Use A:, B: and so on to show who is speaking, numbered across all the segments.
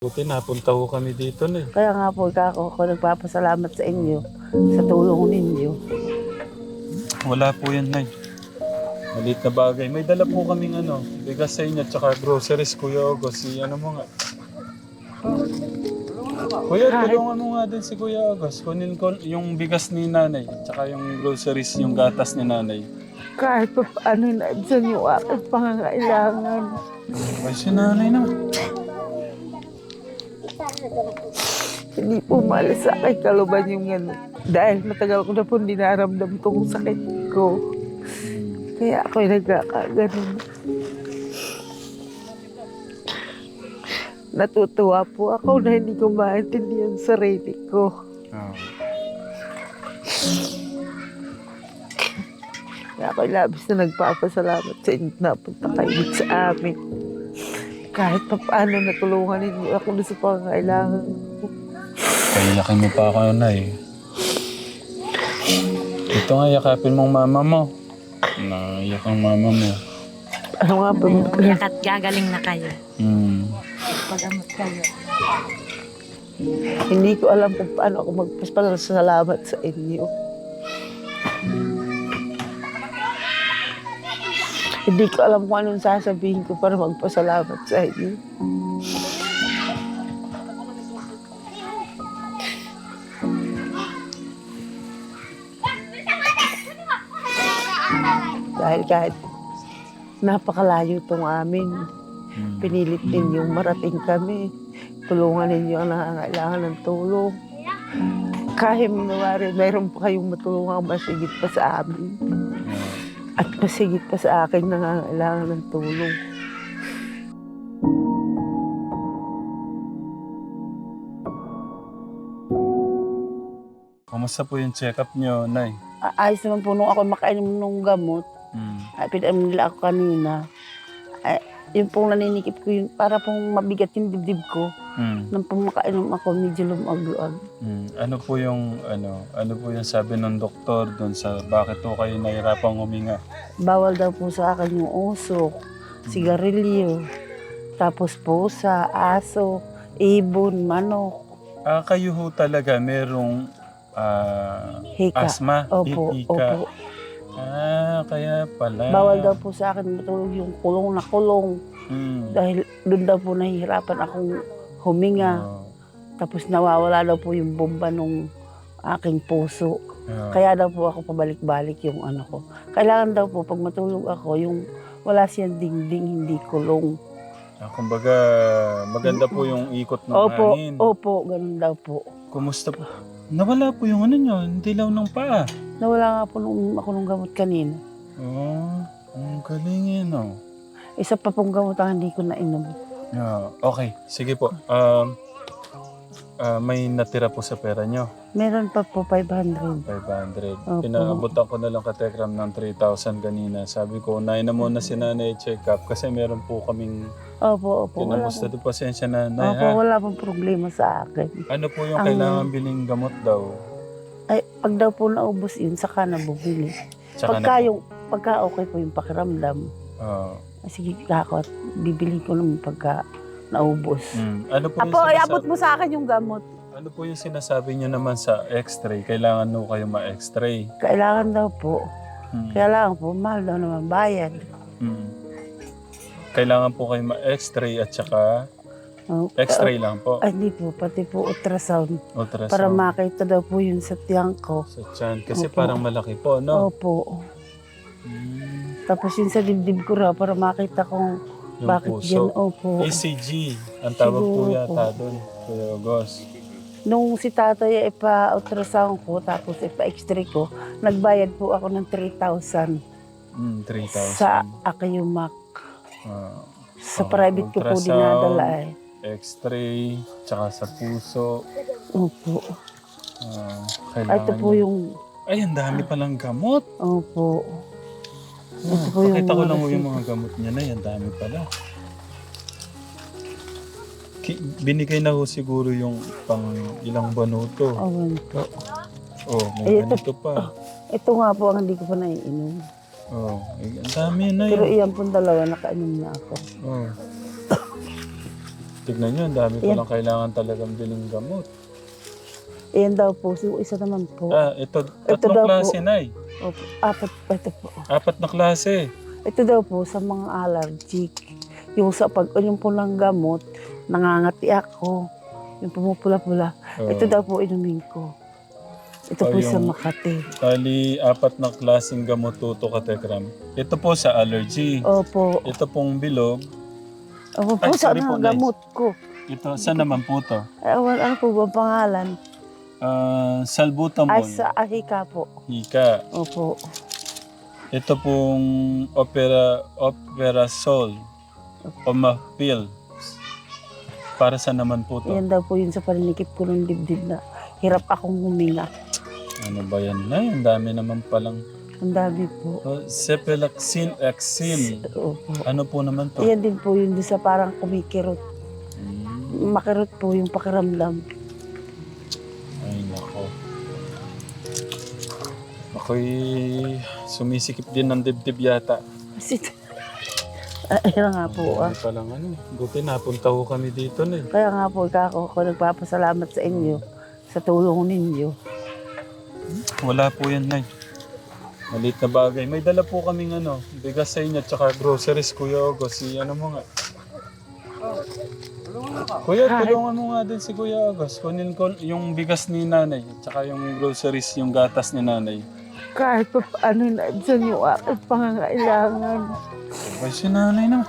A: Buti napunta ko kami dito na.
B: Kaya nga po, ako nagpapasalamat sa inyo sa tulong ninyo.
A: Wala po yan, Nay. Maliit na bagay. May dala po kaming bigas sa inyo, tsaka groceries, Kuya August. Ano mo nga. Kuya, tulungan mo nga din si Kuya August. Kunin ko yung bigas ni nanay, tsaka yung groceries, yung gatas ni nanay.
B: Kahit pa paano na dyan yung aking pangangailangan.
A: Ay, si nanay naman.
B: Hindi po malas sa akin kaluban yung dahil matagal ko na po dinaramdam tong sakit ko. Kaya ako'y nagkakaganon. Natutuwa po ako na hindi ko maintindihan sa sarili ko.
A: Oh.
B: Kaya ako'y labis na nagpapasalamat sa inyo na punta kayo sa amin. Kahit pa paano natulungan ninyo ako na sa pangangailangan ko.
A: Paiyakin mo pa ako, Nay. Ito nga, yakapin mong mama mo. Naiyak ang mama mo.
B: Ano nga ba?
C: Umiyak at gagaling na kayo. Pag-amot kayo.
B: Hindi ko alam kung paano ako magpasalamat sa inyo. Hindi ko alam kung anong sasabihin ko para magpasalamat sa inyo. Dahil kahit napakalayo itong amin, pinilit ninyong marating kami. Tulungan ninyo ang nangangailangan ng tulong. Kahit minawari, mayroon pa kayong matulungan masigit pa sa amin. At masigit pa sa akin nangangailangan ng tulong.
A: Kumusta po yung check-up nyo, Nay?
B: Ayos naman po nung ako makainom ng gamot. Ay, pinainom nila ako kanina. Ay, yung pong naninikip ko yun, para pong mabigat yung dibdib ko. Nang pong makainom ako, medyo lumag-luag.
A: Ano po yung sabi ng doktor doon sa bakit po kayo nahirapang huminga?
B: Bawal daw po sa akin yung usok, sigarilyo, tapos pusa, aso, ibon, manok.
A: Kayo ho talaga merong
B: Hika.
A: asthma,
B: Opo,
A: hika.
B: opo.
A: Kaya pala.
B: Bawal daw po sa akin matulog yung kulong na kulong. Dahil doon daw po nahihirapan akong huminga. Tapos nawawala daw po yung bomba nung aking puso. Kaya daw po ako pabalik-balik yung ano ko. Kailangan daw po pag matulog ako, yung wala siyang dingding, hindi kulong.
A: Kumbaga, maganda po yung ikot ng hangin.
B: Opo, ganun daw po.
A: Kumusta po? Nawala po yung nyo, dilaw ng paa.
B: Nawala nga po nung ako nung gamot kanina.
A: Ang galing yun,
B: Isa pa pong gamot ang hindi ko nainom.
A: Okay, sige po. May natira po sa pera nyo.
B: Meron pa po 500.
A: 500.
B: Opo.
A: Pinaabutan ko na lang ka-Tekram ng 3,000 kanina. Sabi ko, unahin na muna si nanay check-up kasi meron po kaming
B: Opo.
A: kinamusta doon. Pasensya na, Nay,
B: Opo, wala pong problema sa akin.
A: Ano po yung kailangan biling gamot daw?
B: Ay, pag daw po naubos yun, saka na bubili.
A: Tsaka
B: Pagka okay po yung pakiramdam, sige ako at bibili ko naman pagka naubos.
A: Ano po yung
B: Apo, iabot mo sa akin yung gamot.
A: Ano po yung sinasabi niyo naman sa x-ray? Kailangan no kayo ma-x-ray.
B: Kailangan daw po. Kailangan po, mahal daw naman bayad.
A: Kailangan po kayo ma-x-ray at saka x-ray lang po.
B: Ay, hindi po, pati po ultrasound.
A: Ultrasound.
B: Para makita daw po yun sa tiyan ko.
A: Sa tiyan. Kasi
B: Opo.
A: parang malaki po, no?
B: Opo. Tapos yun sa dibdib ko raw, para makita kung
A: Yung
B: bakit
A: puso.
B: yan. Opo.
A: ECG. Ang tawag po
B: Siguro
A: yata
B: po.
A: doon. Kuya August.
B: Nung si tatay ipa-ultrasound ko, tapos ipa-x-ray ko, nagbayad po ako ng 3,000
A: 3,000.
B: sa Akiumac. Sa
A: Okay,
B: private ko po
A: ultrasound,
B: dinadala
A: X-ray, tsaka sa puso.
B: Opo.
A: Kailangan
B: Ito po
A: niyo-
B: yung...
A: Ay, ang dami palang gamot.
B: Opo. Ito po yung
A: Pakita ko
B: mga
A: lang yung
B: resita.
A: mga gamot niya na. Ang dami pala. Binigay na ho siguro yung pang ilang banuto.
B: Awan po.
A: May
B: Ito-
A: ganito pa.
B: Ito nga po ang hindi ko pa naiinom.
A: Ang dami na
B: Pero
A: yun.
B: iyan pong dalawa, nakainom na ako.
A: tignan nyo, ang dami ko lang kailangan talagang biling gamot.
B: Ayan daw po. So, isa naman po.
A: Ito,
B: Ito
A: tatlong
B: daw
A: klase,
B: po.
A: Nay.
B: Opo, apat pa ito po.
A: 4 na klase.
B: Ito daw po sa mga allergic. Yung sa yung pulang gamot, nangangati ako. Yung pumupula-pula. Ito daw po inumin ko. Ito po sa Makati.
A: Bali, 4 na klaseng gamot tuto ka, Tekram. Ito po sa allergy.
B: Opo.
A: Ito pong bilog.
B: Opo po
A: Ay,
B: sa
A: sorry po,
B: gamot ko.
A: Ito, saan naman po to?
B: Ano po ba pangalan?
A: Salbutamol.
B: Ay, sa Ahika po.
A: Hika.
B: Opo.
A: Ito pong Operasol. Omapil. Para sa naman po to?
B: Yan daw po yun sa paninikip ko ng dibdib na hirap akong huminga.
A: Ano ba yan, Nay? Ang dami naman palang.
B: Ang dami po.
A: Cephalexin, Exin.
B: Opo.
A: Ano po naman to?
B: Yan din po yun sa parang kumikirot. Makirot po yung pakiramdam.
A: Ay, nako. Ako'y sumisikip din ng dibdib yata.
B: Kasi, ayun nga po.
A: Hindi palang ano. Buti napunta ko kami dito na eh.
B: Kaya nga po, ako nagpapasalamat sa inyo sa tulong ninyo.
A: Wala po yan, Nay. Maliit na bagay. May dala po kaming ano, bigas sa inyo, tsaka groceries, Kuya August. Ano mo nga? Kuya, tulungan mo nga din si Kuya August. Kunin ko yung bigas ni nanay, tsaka yung groceries, yung gatas ni nanay.
B: Kahit pa paano na dyan yung aking pangangailangan.
A: Ay, si nanay na.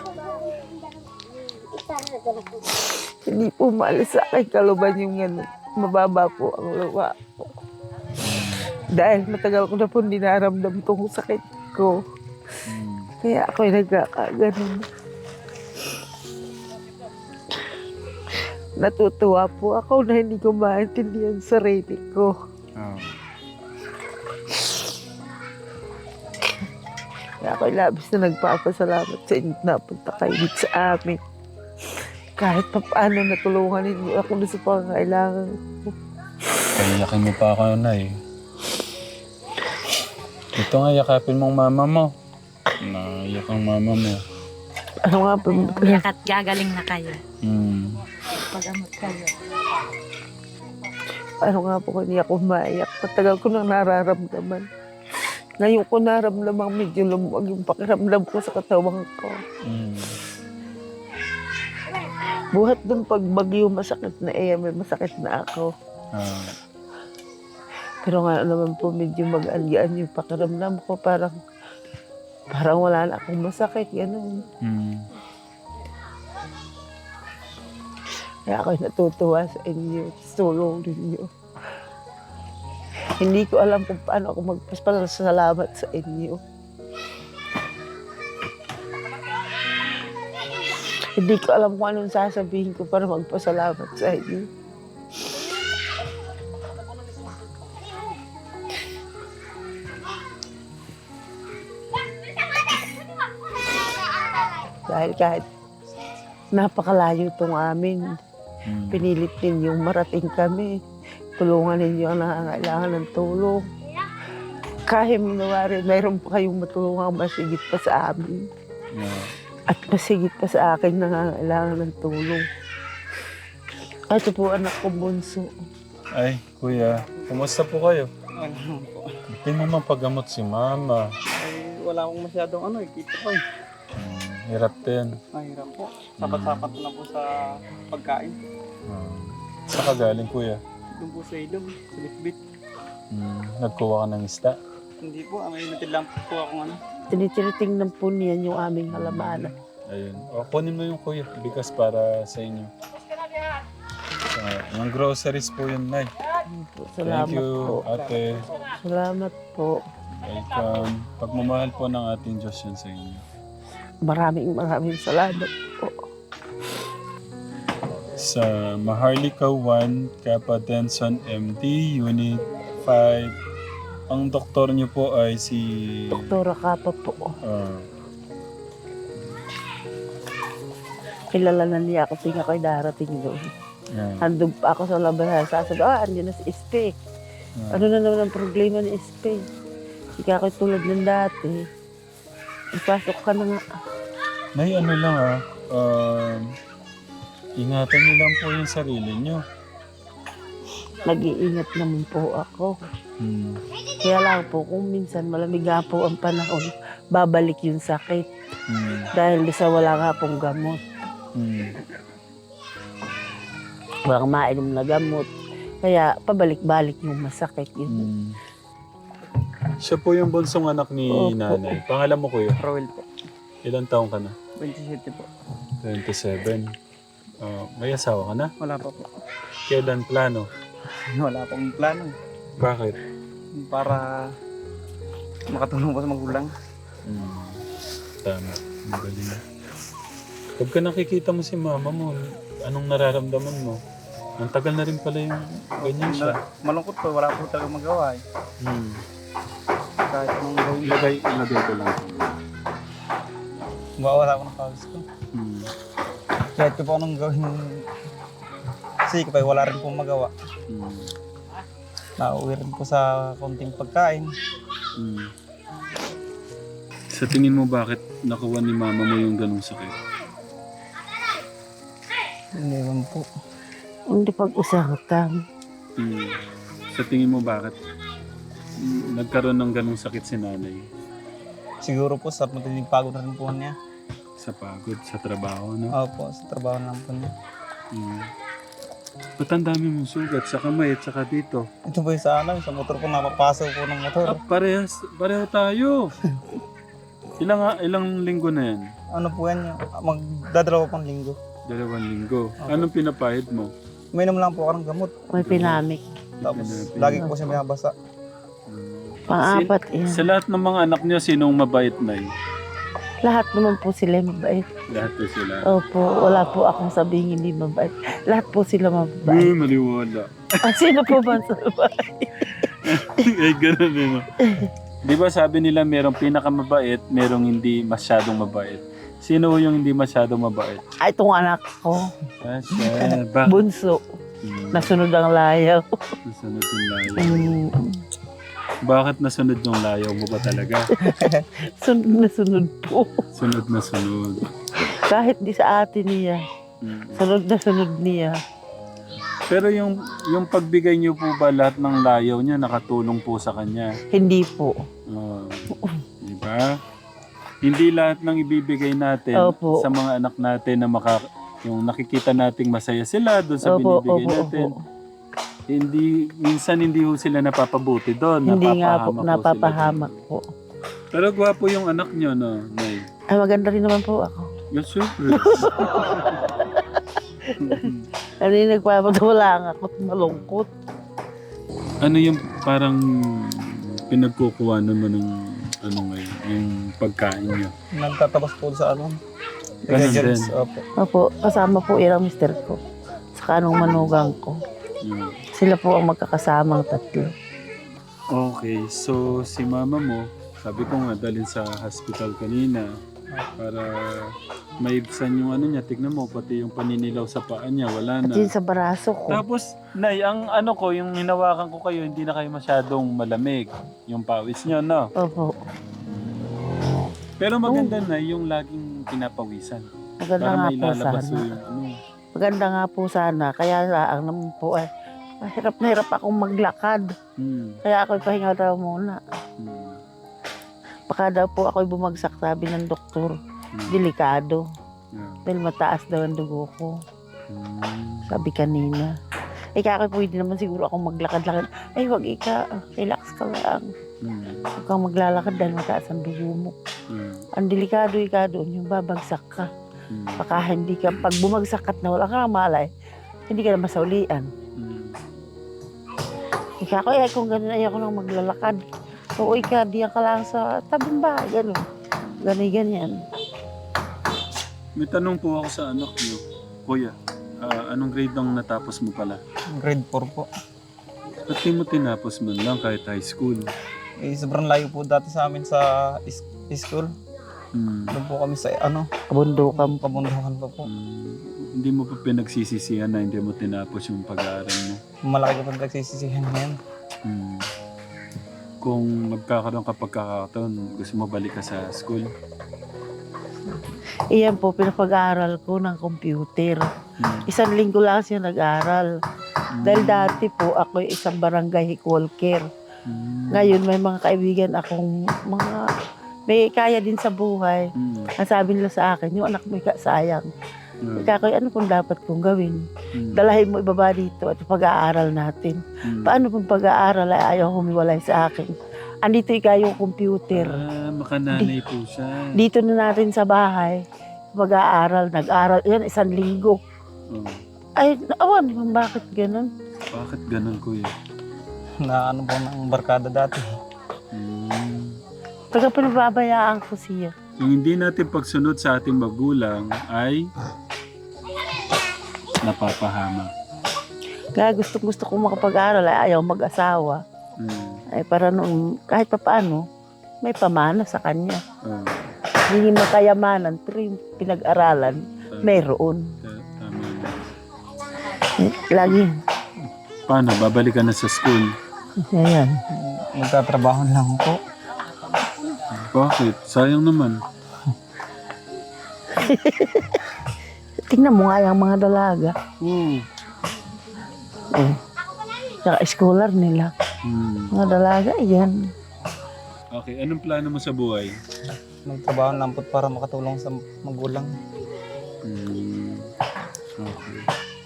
B: Hindi po maalis sa akin kaluban yung ano, mababa po ang luwa po. Dahil matagal ko na po dinaramdam tong sakit ko. Kaya ako'y nagkakaganon. Natutuwa po ako na hindi ko maintindihan sa sarili ko. Kaya ako'y labis na nagpapasalamat sa inyo na napunta kayo dito sa amin. Kahit pa paano natulungan ninyo ako na sa pangangailangan ko.
A: Kayakin mo pa ako, Nay. Ito nga, yakapin mong mama mo. Naiyak ang mama mo.
B: Ano nga po?
C: Umiyak at gagaling na kayo.
B: Pagamot kayo. Ano nga po kung hindi ako maiyak? Matagal ko nang nararamdaman. Ngayon ko naramdaman medyo lumuwag yung pakiramdam ko sa katawan ko. Buhat dun pag bagyo masakit na may masakit na ako. Pero nga naman po medyo mag-alyan yung pakiramdam ko. Parang wala na akong masakit. Ganun. Kaya ako'y natutuwa sa inyo. Tulong ninyo. Hindi ko alam kung paano ako magpasalamat sa inyo. Hindi ko alam kung anong sasabihin ko para magpasalamat sa inyo. Dahil kahit napakalayo itong amin, pinilit ninyong marating kami. Tulungan ninyo ang nangangailangan ng tulong. Kahit minawari, mayroon pa kayong matulungan masigit pa sa amin. At masigit pa sa akin nangangailangan ng tulong. Ito po anak ko bunso.
A: Ay, Kuya, kumusta po kayo? Hindi mo mapagamot si Mama.
D: Ay, wala akong masyadong kita ko eh.
A: Hirap din.
D: Mahirap po. Sapat-sapat na po sa pagkain.
A: Saan ka galing, Kuya?
D: Doon po sa ilog, sa bitbit.
A: Nagkuha ka ng isda?
D: Hindi po, may natid lang po akong ano.
B: Tinitiritingnan po niyan yung aming halamanan.
A: Ayun. O, kunin mo yung Kuya, bigas para sa inyo. Yung groceries po yun, Nay.
B: Salamat
A: Thank you,
B: po.
A: Ate.
B: Salamat po.
A: Welcome. Pagmamahal po ng ating Diyos yun sa inyo.
B: Maraming salamat po.
A: Sa Maharlika 1, Kappa Denson MD, Unit 5. Ang doktor niyo po ay si...
B: Doktora Kapa po. Kilala na niya ako tuwing ako'y darating doon. Handog pa ako sa laban. Sasabi, andyan na si Espe. Ano na naman ang problema ni Espe? Hindi ka ako'y tulad ng dati. Ipasok ka na nga.
A: Nay, ano lang Ingatan niyo lang po yung sarili niyo.
B: Nag-iingat naman po ako.
A: Hmm.
B: Kaya lang po, kung minsan malamig nga po ang panahon, babalik yung sakit.
A: Hmm.
B: Dahil sa wala nga pong gamot.
A: Hmm.
B: Walang mainom na gamot. Kaya pabalik-balik yung masakit. Yun.
A: Hmm. Siya po yung bunsong anak ni
B: Opo.
A: nanay. Pangalan mo kuya?
D: Roel po.
A: Ilang taong ka na?
D: 27 po.
A: 27. May asawa ka na?
D: Wala pa po.
A: Kailan plano?
D: Wala pong plano.
A: Bakit?
D: Para makatulong po sa magulang.
A: Hmm. Tama. Ang galing. Pagka nakikita mo si mama mo, anong nararamdaman mo? Ang tagal na rin pala yung ganyan siya.
D: Malungkot po. Wala po talaga magawa eh.
A: Hmm.
D: Kahit anong gawin.
A: Ilagay ko lang.
D: Mawawala ko ng pawis ko.
A: Hmm.
D: Kahit ko po anong gawin. Kasi kapag wala rin pong magawa.
A: Hmm.
D: Nauwi rin po sa konting pagkain.
A: Hmm. Sa tingin mo bakit nakuha ni mama mo yung ganung sakit?
D: Hindi naman po.
B: Hindi pag-usapan.
A: Hmm. Sa tingin mo bakit nagkaroon ng ganung sakit si nanay?
D: Siguro po sa matinding pagod na rin po niya.
A: Sa pagod, sa trabaho, no?
D: Opo, sa trabaho na lang po niya.
A: Hmm. Ba't ang dami mong sugat sa kamay at saka dito?
D: Ito po yung sa sa motor po, napapasaw po ng motor.
A: Pareho tayo. Ilang linggo na yan?
D: Ano po yan yung magdadalawa pang linggo.
A: 2 linggo. Anong pinapahid mo?
D: Uminom lang po ako ng gamot.
B: May pinamik.
D: Tapos lagi ko po siya binabasa.
B: Pang-apat yan.
A: Sa lahat ng mga anak niyo, sinong mabait na yun?
B: Lahat naman po sila mabait.
A: Lahat po sila.
B: Opo, wala po akong sabihin hindi mabait. Lahat po sila mabait.
A: Maliwala.
B: Sino po ba sa bahay?
A: Ay, ganun yun. Di ba sabi nila merong pinakamabait, merong hindi masyadong mabait. Sino yung hindi masyadong mabait?
B: Ay, itong anak ko,
A: Siya. Bakit?
B: bunso, nasunod ang layaw.
A: Nasunod yung layaw.
B: Mm,
A: Bakit nasunod yung layaw mo ba talaga?
B: sunod na sunod po.
A: Sunod na sunod.
B: Kahit di sa atin niya, sunod na sunod niya.
A: Pero yung pagbigay niyo po ba lahat ng layaw niya nakatulong po sa kanya?
B: Hindi po.
A: Oh, di ba? Hindi lahat ng ibibigay natin
B: Opo.
A: sa mga anak natin na yung nakikita nating masaya sila doon sa binibigay natin. Minsan hindi ho sila napapabuti doon.
B: Hindi nga po,
A: Napapahamak ho
B: napapahamak
A: sila
B: po.
A: doon. Pero gwapo yung anak niyo, no? Nay.
B: Ay, maganda rin naman po ako.
A: Yes, super.
B: Ano yung nagpapatawala nga ako at malungkot.
A: Ano yung parang pinagkukuha naman ng ano ngayon, yung pagkain niyo?
D: Nagtatabas po sa ano.
A: Ganun din.
D: Opo.
B: Opo, kasama po ilang mister ko. Saka anong manugang ko. Sila po ang magkakasamang tatlo.
A: Okay, so si mama mo, sabi ko nga dalhin sa hospital kanina para maibsan yung ano niya. Tignan mo, pati yung paninilaw sa paa niya, wala
B: At
A: na.
B: yun sa baraso ko.
A: Tapos, Nay, ang ano ko, yung hinawakan ko kayo, hindi na kayo masyadong malamig. Yung pawis niyo, no?
B: Opo.
A: Pero maganda na yung laging pinapawisan.
B: Maganda
A: Para
B: nga
A: may
B: po
A: lalabas
B: sana.
A: yung ano.
B: Maganda nga po sana. Kaya ang naman po ay hirap na hirap akong maglakad. Kaya ako'y pahinga daw muna. Baka daw po ako'y bumagsak, sabi ng doktor. Delikado. Dahil mataas daw ang dugo ko. Sabi kanina. Kaya ako'y pwede naman siguro akong maglakad-lakad. Ay, wag relax ka lang. Huwag kang maglalakad dahil mataas ang dugo mo. Ang delikado doon, yung babagsak ka. Baka hindi ka, pag bumagsak ka na wala ka nang malay, hindi ka na masaulian. Ika ko, kung gano'n ayoko nang maglalakad. So, diyan ka lang sa tabing bahay, gano'n. Ganyan.
A: May tanong po ako sa anak niyo. Kuya, anong grade ang natapos mo pala?
D: Grade 4 po.
A: Ba't di mo tinapos man lang kahit high school?
D: Sobrang layo po dati sa amin sa school. Doon po kami sa
B: Kabundukan.
D: kabundukan pa po.
A: Hindi mo pa pinagsisisihan na hindi mo tinapos yung pag-aaral mo?
D: Malaki ko pa nagsisisihan ngayon.
A: Kung magkakaroon ka pagkakataon, gusto mo balik ka sa school?
B: Iyan po, pinapag-aaral ko ng computer. Isang linggo lang siya nag-aral. Dahil dati po, ako isang barangay walker. Ngayon, may mga kaibigan akong may kaya din sa buhay. Ang sabi nila sa akin, yung anak mo sayang. Ikakoy, ano kung dapat kong gawin? Dalahin mo ibaba dito at pag-aaral natin. Paano kung pag-aaral ay ayaw humiwalay sa akin? Andito yung computer.
A: Makananay po siya.
B: Dito na natin sa bahay, pag-aaral, nag-aral. Yan, isang linggo. Ay, naawan, bakit ganun?
A: Bakit ganun, kuya?
D: Na ano po ng barkada dati.
B: Taga pinababayaan ko siya.
A: Yung hindi natin pagsunod sa ating magulang ay napapahamak.
B: Kaya gusto kong makapag-aral ay ayaw mag-asawa. Ay para noon, kahit pa paano, may pamana sa kanya. Hindi makayamanan, pero yung pinag-aralan, mayroon.
A: Tama.
B: Lagi.
A: Paano? Babalik ka na sa school?
B: Ayan.
D: Magtatrabaho lang po.
A: Bakit? Sayang naman.
B: Tingnan mo nga yung mga dalaga. Tsaka scholar nila. Mga dalaga, yan.
A: Okay, anong plano mo sa buhay?
D: Magtrabaho lang po para makatulong sa magulang.
A: Okay.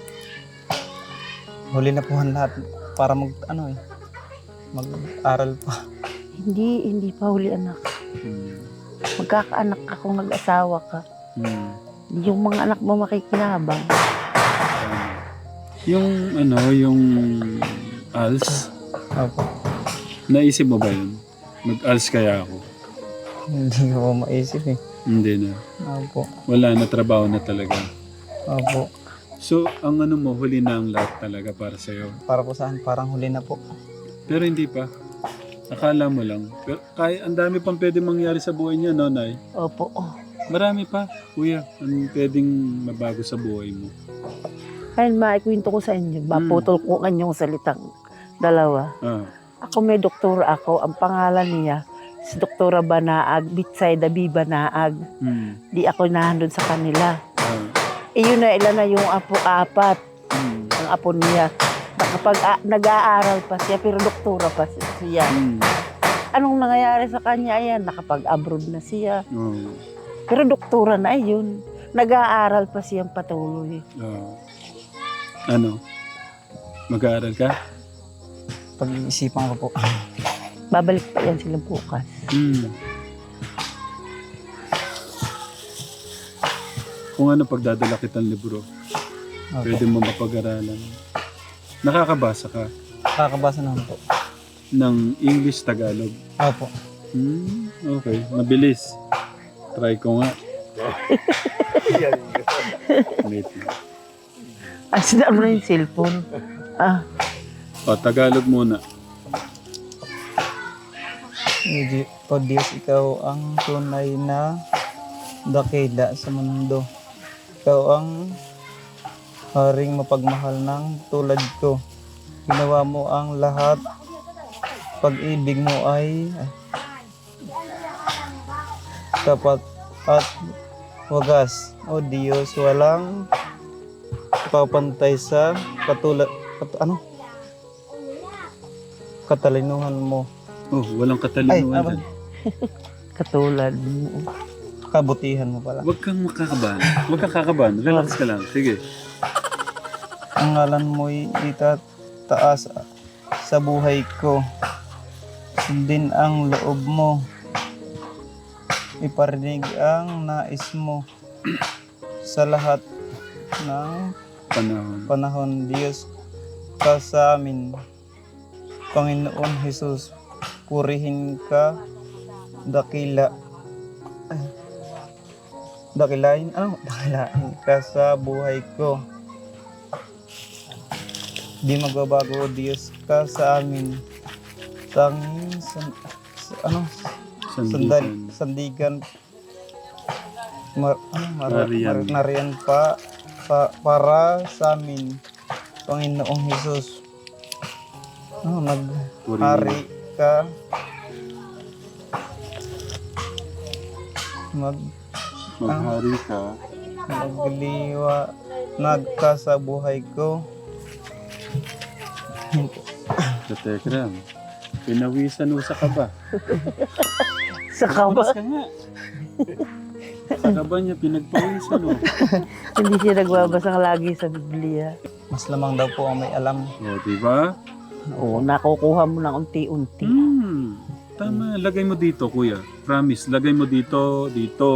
D: Huli na po ang lahat para mag-aral pa.
B: Hindi pa huli anak. Magkakaanak ka kung nag-asawa ka. Yung mga anak mo makikinabang.
A: Yung ALS,
D: Opo.
A: naisip mo ba yun? Mag-ALS kaya ako?
D: Hindi ko maisip eh.
A: Hindi na.
D: Opo.
A: Wala na, trabaho na talaga.
D: Opo.
A: So, ang mo, huli na ang lahat talaga para sa'yo.
D: Para po saan? Parang huli na po.
A: Pero hindi pa. Akala mo lang. Pero ang dami pang pwede mangyari sa buhay niya, no, Nay?
B: Opo.
A: Marami pa, kuya. Anong pwedeng mabago sa buhay mo?
B: Ayun, maikwento ko sa inyo. Maputol ko kanyang salitang dalawa. Ako may doktora ako. Ang pangalan niya, si Doktora Banaag, Bitsayda B. Banaag. Di ako nahandun sa kanila. Iyon na ilan na yung apo-apat. Ang apo niya. Kapag nag-aaral pa siya, pero doktora pa siya. Anong nangyayari sa kanya? Ayan, nakapag-abroad na siya. Pero doktora na yun. Nag-aaral pa siyang patuloy.
A: Ano? Mag-aaral ka?
D: Pag-iisipan ko po.
B: Babalik pa yan sila bukas.
A: Kung ano pagdadala kitang libro, pwede mo mapag-aralan. Nakakabasa ka
D: Nakakabasa naman po.
A: ng English, Tagalog.
D: Opo.
A: Okay, mabilis. Try ko nga. Wait lang.
B: Sinaan mo na yung cellphone.
A: Tagalog muna.
D: O Diyos, ikaw ang tunay na dakila sa mundo. Ikaw ang haring mapagmahal ng tulad ko. Ginawa mo ang lahat. Pag-ibig mo ay tapat at wagas. O Diyos, walang papantay sa katalinuhan mo.
A: Walang katalinuhan.
B: Katulad mo.
D: Kabutihan mo pala.
A: Huwag kang makakabahan. Huwag kang kakabahan. Relax ka lang. Sige.
D: Ang ngalan mo'y itataas sa buhay ko. Sundin ang loob mo. Iparinig ang nais mo sa lahat ng panahon. Diyos ka sa amin. Panginoon Jesus, purihin ka, dakilain ka sa buhay ko. Di magbabago, Diyos ka sa amin. Tanging sandigan nariyan para sa amin, Panginoong Jesus. Maghari ka,
A: Maghari ka.
D: magliwa nagkasabuhay ko.
A: Katekram, pinawisan mo sa kaba.
B: Sa kaba.
A: Bukas ka nga. Sa kaba niya, pinagpawisan mo.
B: Hindi siya nagbabasa lagi sa Biblia.
D: Mas lamang daw po ang may alam.
A: O, diba?
B: Oo, nakukuha mo ng unti-unti.
A: Tama, lagay mo dito, kuya. Promise, lagay mo dito,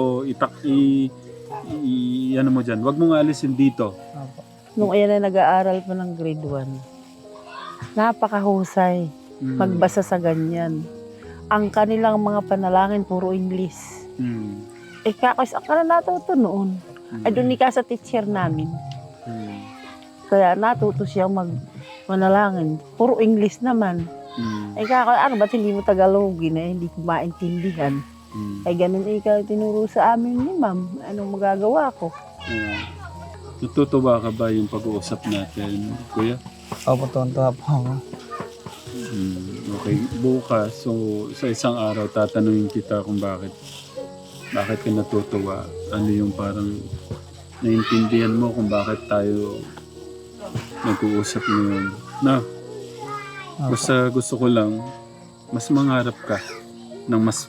A: ano mo dyan. Huwag mong alisin dito.
D: Opo.
B: Nung ayan na nag-aaral pa ng grade 1, napakahusay magbasa sa ganyan. Ang kanilang mga panalangin, puro English.
A: Hmm.
B: Kakos, ang ka na natuto noon. Ay, doon ka sa teacher namin.
A: Hmm.
B: Kaya natuto siya manalangin. Puro English naman.
A: Hmm.
B: Ay, ano ba't hindi mo Tagalogin eh? Hindi ko maintindihan.
A: Hmm.
B: Ay, ganun ikaw tinuro sa amin ni ma'am. Anong magagawa ko?
A: Natutuwa ka ba yung pag-uusap natin, kuya?
D: Opo, tuwan-tuwa po ako.
A: Okay, bukas, so sa isang araw tatanungin kita kung bakit ka natutuwa. Ano yung parang naintindihan mo kung bakit tayo nag-uusap ngayon. Na, basta gusto ko lang, mas mangarap ka ng mas.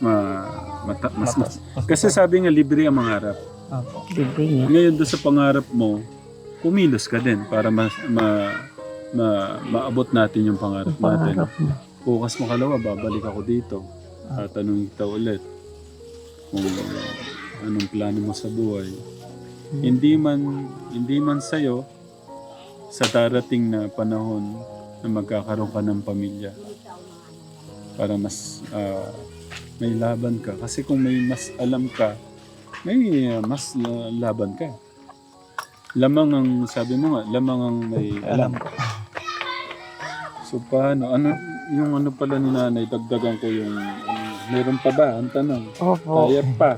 A: Kasi sabi nga, libre ang mangarap.
D: Opo.
B: Libre nga.
A: Ngayon doon sa pangarap mo, kumilos ka din para maabot natin yung pangarap natin.
B: Pangarap mo.
A: Bukas makalawa, babalik ako dito. Tatanungin kita ulit kung anong plano mo sa buhay. Hindi man sa'yo, sa darating na panahon na magkakaroon ka ng pamilya. Para mas may laban ka. Kasi kung may mas alam ka, may mas laban ka. Lamang ang, sabi mo nga, lamang ang may alam. So paano? Yung ano pala ni nanay, dagdagan ko yung, meron pa ba? Ang tanong.
B: Opo.
A: Kaya pa.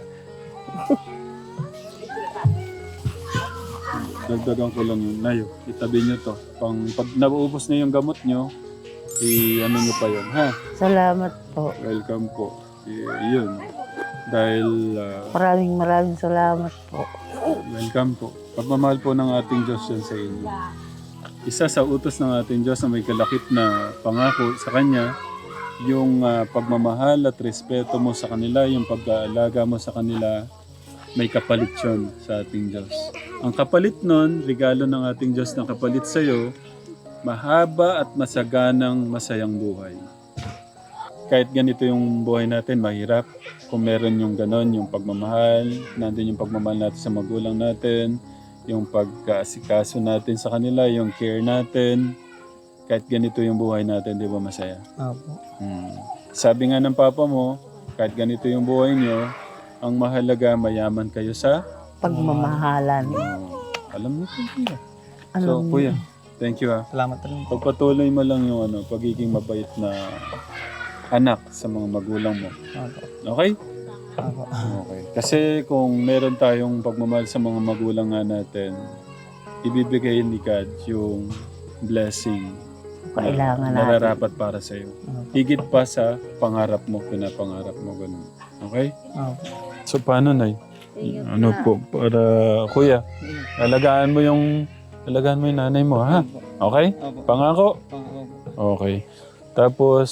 A: Dagdagan ko lang yung nayo. Itabi nyo to. Pag nauubos na yung gamot nyo, ano nyo pa yun, ha?
B: Salamat po.
A: Welcome po. Yun. Dahil,
B: Maraming salamat po.
A: welcome po. Pagmamahal po ng ating Diyos yan sa inyo. Isa sa utos ng ating Diyos na may kalakip na pangako sa Kanya, yung pagmamahal at respeto mo sa kanila, yung pag-aalaga mo sa kanila, may kapalit yun sa ating Diyos. Ang kapalit nun, regalo ng ating Diyos na kapalit sa iyo, mahaba at masaganang masayang buhay. Kahit ganito yung buhay natin, mahirap. Kung meron yung ganon, yung pagmamahal, nandun yung pagmamahal natin sa magulang natin, yung pagkaasikaso natin sa kanila, yung care natin, kahit ganito yung buhay natin, di ba masaya?
D: Opo.
A: Sabi nga ng papa mo, kahit ganito yung buhay nyo, ang mahalaga mayaman kayo sa
B: Pagmamahalan.
A: alam niyo po kuya.
B: Alam
A: So
B: niyo.
A: kuya, thank you ha.
D: Salamat rin po.
A: Pagpatuloy mo lang yung pagiging mabait na anak sa mga magulang mo.
D: Opo.
A: Okay?
D: Opo.
A: Okay. Kasi kung meron tayong pagmamahal sa mga magulang nga natin, ibibigay ni God yung blessing
B: Kailangan
A: na
B: natin.
A: nararapat para sa iyo. Higit pa sa pangarap mo, pinapangarap mo ganun. Okay?
D: Opo.
A: So paano, Nay? Ano po, para kuya, alagaan mo yung nanay mo, ha? Okay?
D: Opo.
A: Pangako?
D: Opo.
A: Okay. Tapos,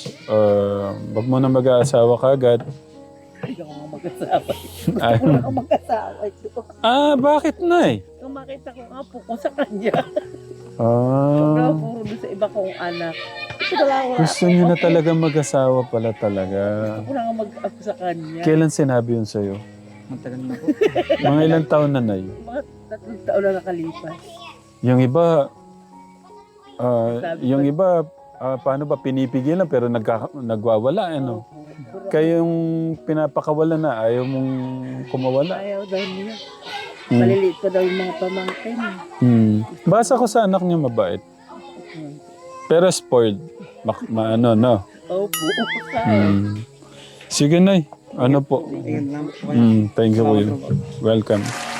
A: wag mo na mag-aasawa kagad.
B: Hindi ako mag-asawa.
A: Ay.
B: Wala akong mag-asawa.
A: Bakit, Nay?
B: Nung makita ko nga po kung sa kanya.
A: Ah,
B: Puro doon sa iba kong anak. Wala.
A: gusto niyo na talaga mag-asawa pala talaga.
B: Wala nga mag-ako sa kanya.
A: Kailan sinabi yun sa'yo?
D: Matagal na po.
A: Mga ilang taon na, Nay?
B: Mga 3 taon na nakalipas.
A: Yung iba, paano ba pinipigilan pero nagwawala, ano? Kayong pinapakawala na, ayaw mong kumawala.
B: Ayaw daw niya. Maliliit pa daw yung mga pamangkin.
A: Basa ko sa anak niya mabait. Pero spoiled. No?
B: Opo.
A: Sige, Nay. Ano po?
D: Tingin lang po.
A: Thank you, Kuya. Welcome.